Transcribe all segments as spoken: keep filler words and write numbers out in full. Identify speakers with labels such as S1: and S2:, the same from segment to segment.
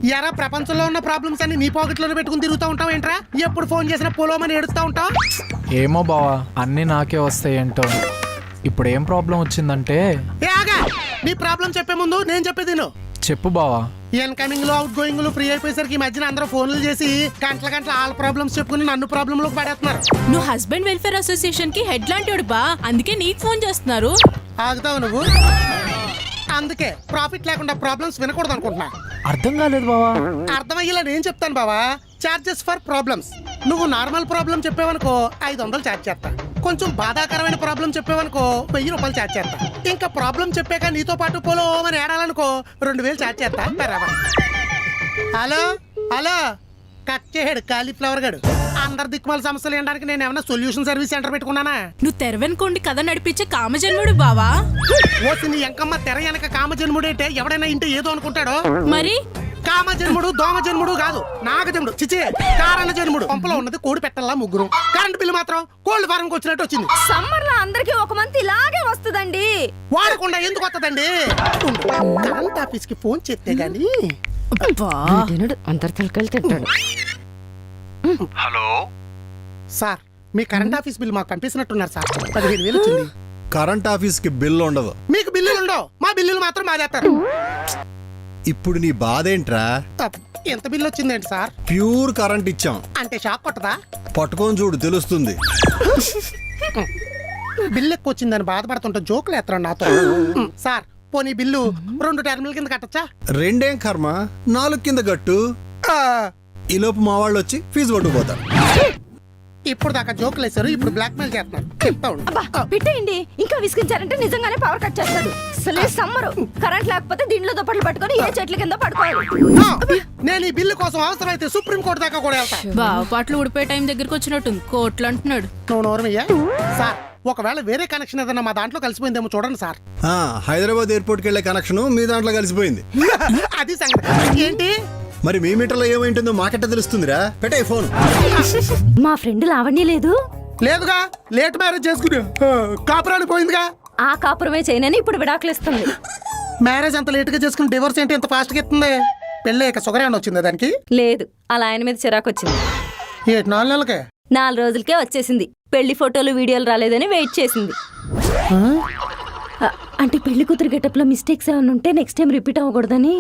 S1: ఎరా ప్రపంచంలో ఉన్న ప్రాబ్లమ్స్ అన్ని నీ పాకెట్లోనే పెట్టుకుని తిరుగుతూ ఉంటావు ఏంట్రా? ఎప్పుడు ఫోన్ చేసినా పొలోమని ఏడుస్తూ ఉంటావు.
S2: ఏమో బావా, అన్నీ నాకే వస్తాయి ఏంటో. ఇప్పుడు ఏం ప్రాబ్లం వచ్చిందంటే
S1: ఏ ఆగా, నీ ప్రాబ్లం చెప్పే ముందు నేను చెప్పేది నువ్వు
S2: చెప్పు బావా.
S1: ఇన్కమింగ్ లో అవుట్ గోయింగ్ లో ఫ్రీ అయిపోయేసరికి ఈ మధ్యన అందరూ ఫోన్లు చేసి గంటల గంటల ఆల్ ప్రాబ్లమ్స్ చెప్పుకుని నన్ను ప్రాబ్లమ్ లోకి పడేస్తున్నారు.
S3: నువ్వు హస్బెండ్ వెల్ఫేర్ అసోసియేషన్ కి హెడ్ లాంటి బా, అందుకే నీకు ఫోన్ చేస్తున్నారు.
S1: ఆగుతావు నువ్వు? అందుకే ప్రాఫిట్ లేకుండా ప్రాబ్లమ్స్ వినకూడదు అనుకుంటున్నా.
S2: అర్థం కాలేదు బావా.
S1: అర్థమయ్యేలా నేను చెప్తాను బావా. Charges for problems. నువ్వు నార్మల్ ప్రాబ్లం చెప్పావనుకో ఐదు వందలు ఛార్జ్ చేస్తా. కొంచెం బాధాకరమైన ప్రాబ్లం చెప్పావనుకో వెయ్యి రూపాయలు ఛార్జ్ చేస్తా. ఇంకా ప్రాబ్లం చెప్పాక నీతో పాటు పోలో అని ఏడాలనుకో రెండు వేలు ఛార్జ్ చేస్తా. బరాబర్. హలో హలో కట్ చేయడు కాలీఫ్లవర్ గడు. అందరి దిక్కుమాల సమస్యలు ఏంటడానికి నేను ఏమన్నా సొల్యూషన్ సర్వీస్ సెంటర్ పెట్టుకున్నానా?
S3: నువ్వు తెరవెనుకోండి కథ నడిపించే కామజన్ముడు బావా.
S1: ఓసి నీ ఎంకమ్మ తెర వెనక కామజన్ముడు అంటే ఎవడైనా ఇంటే ఏదో అనుకుంటాడో.
S3: మరి
S1: కామజన్ముడు దోమ జన్ముడు కాదు, నాగజన్ముడు. చిచే కారణ జన్ముడు. పంపలో ఉన్నది కోడి పెట్టల్లా ముగ్గురు. కరెంట్ బిల్లు మాత్రం కోల్డ్ ఫార్మ్ వచ్చినట్టు వచ్చింది.
S4: సమ్మర్ లో అందరికి ఒక మంత్ ఇలాగే వస్తుందండి.
S1: వాడకుండా ఎందుకు వస్తుందండి? కరెంట్ ఆఫీస్ కి ఫోన్ చేస్తే గానీ
S4: అందరు తలకాయలు తింటాడు.
S5: హలో
S1: సార్, మీ కరెంట్ ఆఫీస్ బిల్ మాకు పంపిస్తున్నట్టున్నారు సార్. పదిహేను వేలు వచ్చింది.
S5: కరెంట్ ఆఫీస్ కి బిల్లు ఉండదు.
S1: మీకు బిల్లులు ఉండవు, మా బిల్లులు మాత్రం మాదేస్తారు.
S5: ఇప్పుడు నీ బాధ ఏంట్రా?
S1: ఎంత బిల్లు వచ్చిందేంటి సార్?
S5: ప్యూర్ కరెంట్ ఇచ్చాం
S1: అంటే షాక్ కొట్టదా?
S5: పట్టుకొని చూడు తెలుస్తుంది.
S1: బిల్లు ఎక్కువ వచ్చిందని బాధపడుతుంటే జోకులు ఎత్తరండి నాతో. సార్ పోనీ బిల్లు రెండు టర్మినల్ కింద కట్టచ్చా?
S5: రెండేం కర్మ, నాలుగు కింద గట్టు. ఈ లోపు మా వాళ్ళు వచ్చి ఫీజు పట్టుకుపోతారు.
S1: ఇప్పుడు దాకా జోకులు వేసారు, ఇప్పుడు బ్లాక్ మెయిల్ చేస్తున్నారు. చెప్తా ఉండు.
S4: అబ్బా పెట్టేయండి, ఇంకా విసిగించారంటే నిజంగానే పవర్ కట్ చేస్తాడు. అసలే సమ్మరు, కరెంట్ లేకపోతే దీంట్లో దుప్పట్లు పట్టుకొని ఏ చెట్ల కింద పడుకోవాలి.
S1: నేను ఈ బిల్లు కోసం అవసరమైతే సుప్రీం కోర్టు దాకా కూడా వెళ్తా.
S3: బావ పాటలు ఊడిపోయే టైం దగ్గరకు వచ్చినట్టు కోట్లు అంటున్నాడు.
S1: నువ్వు నోరమయ్యా. సార్ ఒకవేళ వేరే కనెక్షన్ ఏదన్నా మా దాంట్లో కలిసిపోయిందేమో చూడండి సార్.
S5: ఆ, హైదరాబాద్ ఎయిర్పోర్ట్కి వెళ్ళే కనెక్షన్ మీ దాంట్లో కలిసిపోయింది.
S1: అది సంగతి. ఏంటి
S5: మరి మీ మీటర్లో ఏమైంటుందో మాకెట్ట తెలుస్తుందిరా? పెట్టే ఫోన్.
S4: మా ఫ్రెండ్ లావణ్య లేదు
S1: లేదుగా, లేట్ మ్యారేజ్ చేసుకుని కాపురాలు పోయిందిగా.
S4: ఆ కాపురమే చేయనని ఇప్పుడు విడాకులు ఇస్తుంది.
S1: మ్యారేజ్ అంత లేట్ గా చేసుకుని డివోర్స్ ఏంటి ఎంత ఫాస్ట్ గా ఇస్తుంది? పెళ్ళి షుగర్ ఏమన్నా వచ్చిందా దానికి?
S4: లేదు, అలా ఆయన మీద చిరాకు వచ్చింది.
S1: ఏటి నాలుగు నెలలకే?
S4: నాలుగు రోజులకే వచ్చేసింది. పెళ్లి ఫోటోలు వీడియోలు రాలేదని వెయిట్ చేసింది. అ- అంటే పెళ్లి కూతురు గెటప్ లో మిస్టేక్స్ ఏమైనా ఉంటే నెక్స్ట్ టైం రిపీట్ అవ్వకూడదని.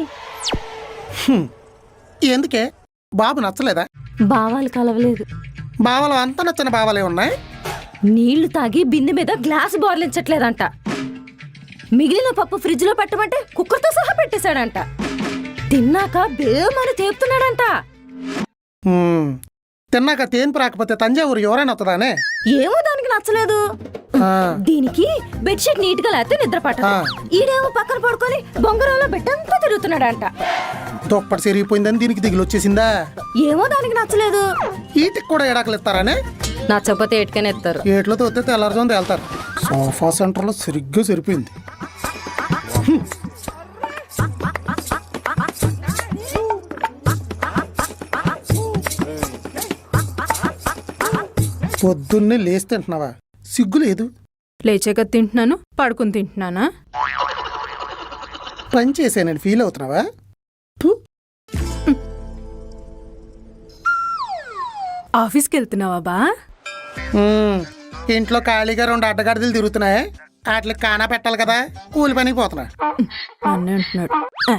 S1: ఎందుకే? బాబు నచ్చలేదా?
S4: భావాలు కలవలేదు.
S1: బావలు అంత నచ్చిన బావలే ఉన్నాయి.
S4: నీళ్లు తాగి బిందె మీద గ్లాస్ బోర్లించట్లేదంట. మిగిలిన పప్పు ఫ్రిడ్జ్ లో పెట్టమంటే కుక్కర్తో సహా పెట్టేశాడంట. తిన్నాక బేమని తేపుతున్నాడంట.
S1: హ్మ్. తిన్నాక తేన్పు రాకపోతే తంజావూరు ఎవరైనా వస్తుందానే?
S4: ఏమో దానికి నచ్చలేదు.
S1: ఆ,
S4: దీనికి బెడ్షీట్ నీట్ గా లేకపోతే నిద్ర పట్టదు.
S1: ఆ.
S4: ఈడేమో పక్కన పడుకొని బొంగరంలో బెట్టంతా తిరుగుతున్నాడంట.
S1: దుప్పటి సిరిగిపోయిందని దీనికి దిగులు వచ్చేసిందా?
S4: ఏమో దానికి నచ్చలేదు.
S1: ఈటికి కూడా ఎడాకలు ఇస్తారానే?
S4: నచ్చకపోతే ఎటుకనే ఎత్తారు.
S1: ఏట్లో తోతే తెల్లారుజోంది వెళ్తారు. సోఫా సెంటర్ లో సరిగ్గా సరిపోయింది. పొద్దున్నే లేచి తింటున్నావా? సిగ్గు లేదు.
S3: లేచాక తింటున్నాను, పడుకుని తింటున్నానా?
S1: పని చేసానని ఫీల్ అవుతున్నావా? ఫు.
S3: ఆఫీస్కి వెళ్తున్నావా బా?
S1: హ్మ్. ఇంట్లో ఖాళీగా రెండు అడ్డగాడిదలు తిరుగుతున్నాయి. వాటికి కానా పెట్టాలి కదా, కూలి పనికి పోతున్నా.
S3: అన్నీ అంటున్నాడు. ఆ.